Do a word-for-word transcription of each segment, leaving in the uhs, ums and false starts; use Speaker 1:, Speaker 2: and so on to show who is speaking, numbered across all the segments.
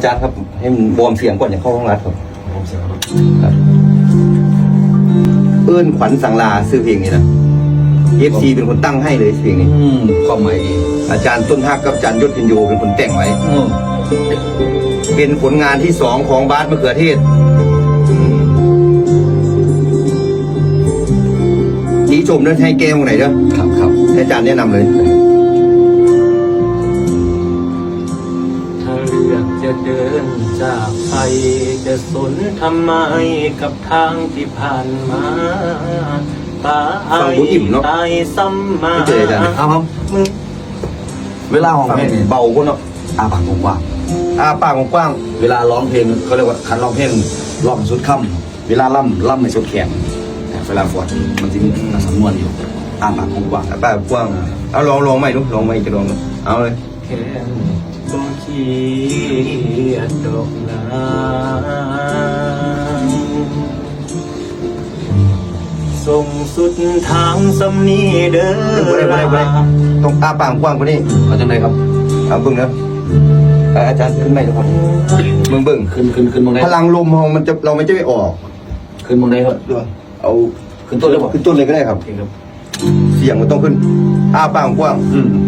Speaker 1: อาจารย์ครับให้มันวอร์มเสียงก่อนอย่างเข้าห้องรัดครับวอร์มเสียงครับเอื้อนขวัญสังลาซื้อเพลงนี้นะเอฟซีเป็นคนตั้งให้เลยเพลงนี้
Speaker 2: ความหมายดี
Speaker 1: อาจารย์ต้นฮักกับอาจารย์ยศพินโยเป็นคนแต่งไว้เป็นผลงานที่สองของบาสมะเขือเทศชี้ชมเด้อให้แก้วไหนเด้อ
Speaker 2: ครับครับ
Speaker 1: อาจารย์แนะนำเลย
Speaker 3: ถ้าเลือกจะเดินจากไปจะสนทำไมกับทางที่ผ่านมาตาไอ้ตายซ้ำมา
Speaker 2: ครับผมเวลาของเพลง
Speaker 1: เบาคนเนาะ
Speaker 2: อาปากกว้าง
Speaker 1: อาปากกว้าง
Speaker 2: เวลาร้องเพลงเขาเรียกว่าคันร้องเพลงร้องสุดค่ำเวลาล่ำล่ำในสุดแขนเวลาฟอดมันจะมีสำนวนอยู่อาปากกว้าง
Speaker 1: อาปากกว้างเอาลองลองใหม่ดูลองใหม่จะลองเอาเลย
Speaker 3: แค่บ่ขี้ดอกนาส่งสุดทางสำนีเด้อ
Speaker 1: ต้องอาปากกว้างกว่านี้
Speaker 2: เอาจังไงครับ
Speaker 1: เอาบึ้งนะอาจารย์ขึ้นไหมครับมึงบึ้ง
Speaker 2: ขึ้นขึ้นขึ้นมองไหน
Speaker 1: พลังลมของมันจะเราไม่จะไม่ออก
Speaker 2: ขึ้นมองไหนครับ
Speaker 1: เอา
Speaker 2: ขึ้นต้นเลยป่ะ
Speaker 1: ขึ้นต้นเลยก็ได้ครับเสียงมันต้องขึ้นอาปากกว้าง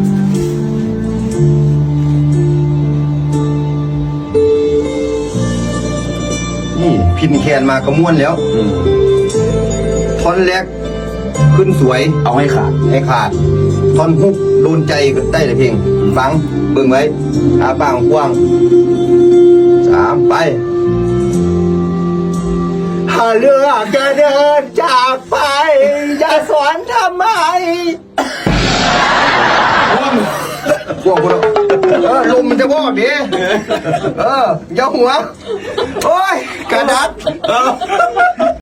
Speaker 1: นี่พินแคนมากระม้วนแล้วท่อนแรกขึ้นสวย
Speaker 2: เอาให้ขาด
Speaker 1: ให้ขาดท่อนฮุกโดนใจก็ได้เลยเพลงฟังเบิ่งไว้อาปากกว้างสามไปถ้าเลือกจะเดินจากไปอย่าสอนทำไมว่างว่างคนเออลมมันจะว่างดิเอออย่าหัวโอ้ยกระดัด